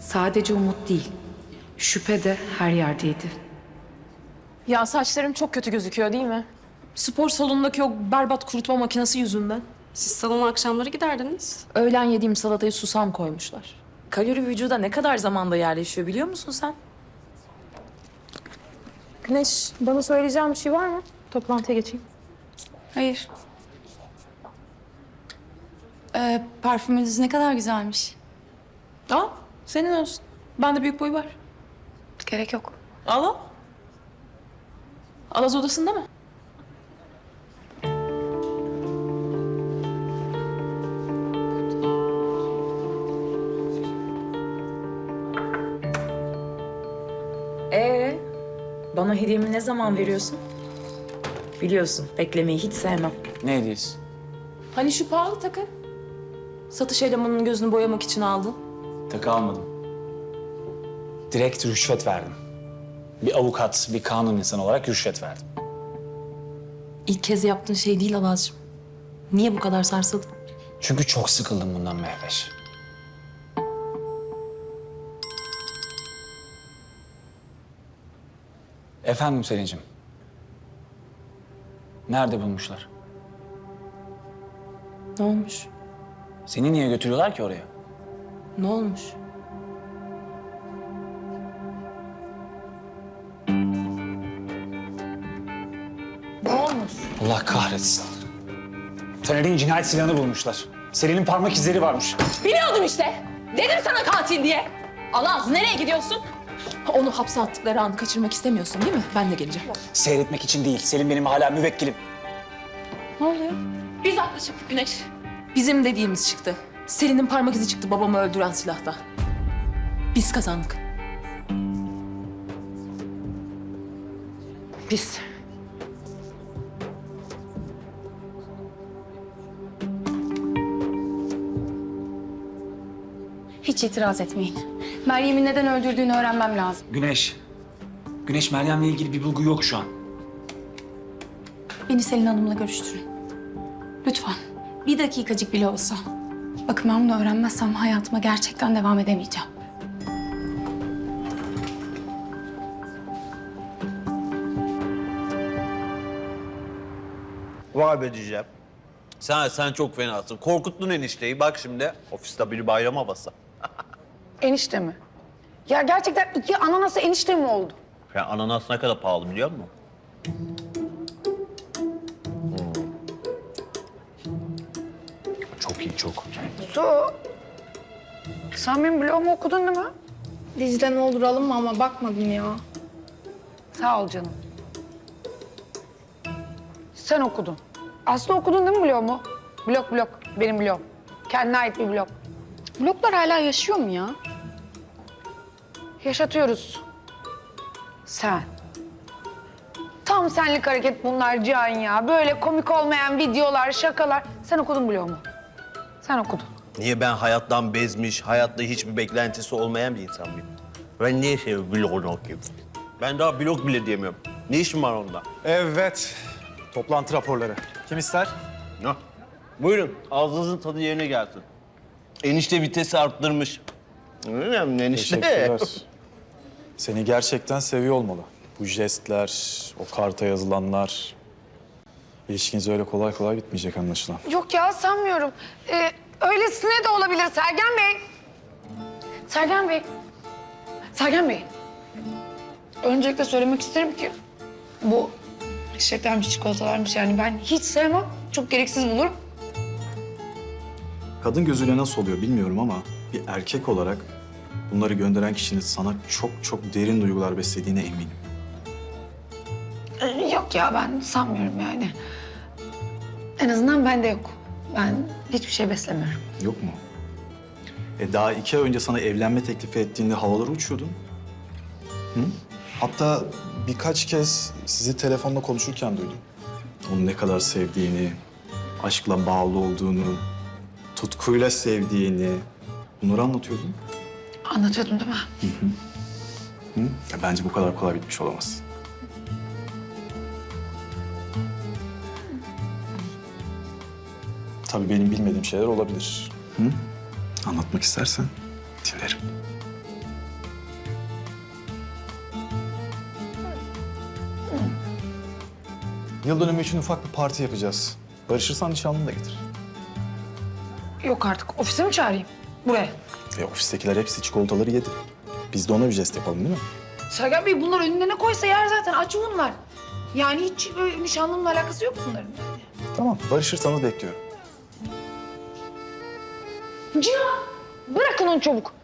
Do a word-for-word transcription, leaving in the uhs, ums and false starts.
Sadece umut değil, şüphe de her yerdeydi. Ya saçlarım çok kötü gözüküyor değil mi? Spor salonundaki o berbat kurutma makinesi yüzünden. Siz salona akşamları giderdiniz. Öğlen yediğim salatayı susam koymuşlar. Kalori vücuda ne kadar zamanda yerleşiyor biliyor musun sen? Güneş, bana söyleyeceğim bir şey var mı? Toplantıya geçeyim. Hayır. Ee, parfümünüz ne kadar güzelmiş. Al, senin olsun. Bende büyük boy var. Gerek yok. Al al. Alaz odasında mı? Ee, bana hediyemi ne zaman veriyorsun? Biliyorsun, beklemeyi hiç sevmem. Ne hediyesi? Hani şu pahalı takı? Satış elemanının gözünü boyamak için aldın. Takı almadım. Direkt rüşvet verdim. Bir avukat, bir kanun insanı olarak rüşvet verdim. İlk kez yaptığın şey değil Alazcığım. Niye bu kadar sarsıldın? Çünkü çok sıkıldım bundan Mehveş. Efendim Selin'cim. Nerede bulmuşlar? Ne olmuş? Seni niye götürüyorlar ki oraya? Ne olmuş? Ne olmuş? Allah kahretsin. Taner'in cinayet silahını bulmuşlar. Selin'in parmak izleri varmış. Biliyordum işte. Dedim sana katil diye. Alaz nereye gidiyorsun? Onu hapse attıkları anı kaçırmak istemiyorsun değil mi? Ben de geleceğim. Seyretmek için değil. Selin benim hala müvekkilim. Ne oluyor? Biz haklı çıktık Güneş. Bizim dediğimiz çıktı. Selin'in parmak izi çıktı babamı öldüren silahta. Biz kazandık. Biz. Hiç itiraz etmeyin. Meryem'i neden öldürdüğünü öğrenmem lazım. Güneş. Güneş Meryem'le ilgili bir bulgu yok şu an. Beni Selin Hanım'la görüştürün. Lütfen. Bir dakikacık bile olsa. Bakın ben bunu öğrenmezsem hayatıma gerçekten devam edemeyeceğim. Vay be diyeceğim. Sen, sen çok fenasın. Korkuttun enişteyi. Bak şimdi ofiste bir bayram havası. Enişte mi? Ya gerçekten iki ananası enişte mi oldu? Ya ananas ne kadar pahalı biliyor musun? Hmm. Çok iyi, çok. Su. Sen benim blogumu okudun değil mi? Dicle ne olur alınma ama bakmadım ya. Sağ ol canım. Sen okudun. Aslı okudun değil mi blogumu? Blog blog. Benim blogum. Kendine ait bir blog. Bloklar hala yaşıyor mu ya? Yaşatıyoruz. Sen. Tam senlik hareket bunlar Cihan ya. Böyle komik olmayan videolar, şakalar. Sen okudun blogumu. Sen okudun. Niye ben hayattan bezmiş, hayatta hiçbir beklentisi olmayan bir insan mıyım? Ben niye şey blogunu okuyayım? Ben daha blog bile diyemiyorum. Ne işim var onda? Evet. Toplantı raporları. Kim ister? Ne? Buyurun, ağzınızın tadı yerine gelsin. Enişte vitesi arttırmış. Önemli enişte. Teşekkürler. Seni gerçekten seviyor olmalı. Bu jestler, o karta yazılanlar... İlişkiniz öyle kolay kolay bitmeyecek anlaşılan. Yok ya sanmıyorum. Ee, öylesine de olabilir Sergen Bey. Sergen Bey. Sergen Bey. Öncelikle söylemek isterim ki bu çiçeklermiş, çikolatalarmış yani ben hiç sevmem. Çok gereksiz bulurum. Kadın gözüyle nasıl oluyor bilmiyorum ama bir erkek olarak bunları gönderen kişinin sana çok çok derin duygular beslediğine eminim. Ee, yok ya ben sanmıyorum yani. En azından bende yok. Ben hiçbir şey beslemiyorum. Yok mu? E daha iki ay önce sana evlenme teklifi ettiğinde havalara uçuyordun. Hı? Hatta birkaç kez sizi telefonla konuşurken duydum. Onu ne kadar sevdiğini, aşkla bağlı olduğunu, tutkuyla sevdiğini... Bunları anlatıyordun. Anlatıyordum değil mi? Hı? Ya bence bu kadar kolay bitmiş olamaz. Tabii benim bilmediğim şeyler olabilir. Hı? Anlatmak istersen dinlerim. Yıl dönümü için ufak bir parti yapacağız. Barışırsan nişanlını da getir. Yok artık. Ofise mi çağırayım? Buraya. E, ofistekiler hepsi çikolataları yedi. Biz de ona bir jest yapalım değil mi? Sergen Bey bunlar önüne ne koysa yer zaten. Aç bunlar. Yani hiç böyle nişanlımla alakası yok bunların. Tamam, barışırsanız bekliyorum. Cihan! Bırakın onu çabuk.